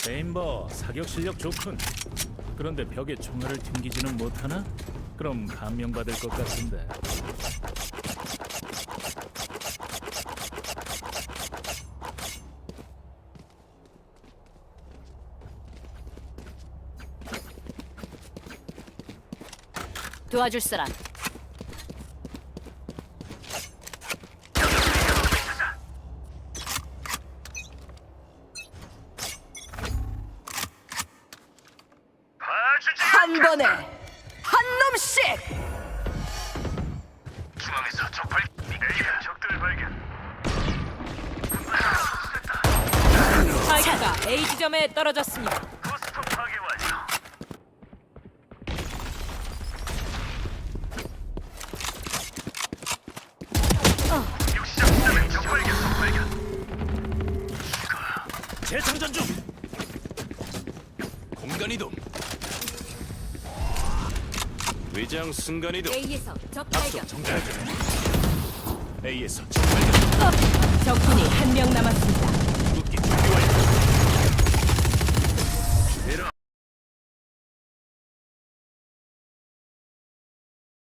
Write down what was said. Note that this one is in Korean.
레인버 사격 실력 좋군. 그런데 벽에 총알을 튕기지는 못하나? 그럼 감명받을 것 같은데. 도와줄 사람. 한 번에 한 놈씩. 중앙에서 적발. A가 적들 발견. 스파이크가 A 지점에 떨어졌습니다. 부스터 파괴 완료. 육시적 지점에 적발견. 재장전 중. 공간 이동. 위장 순간 이동. A에서 적 발견. 정찰 중. A에서 정발견. 적군이 한 명 남았습니다.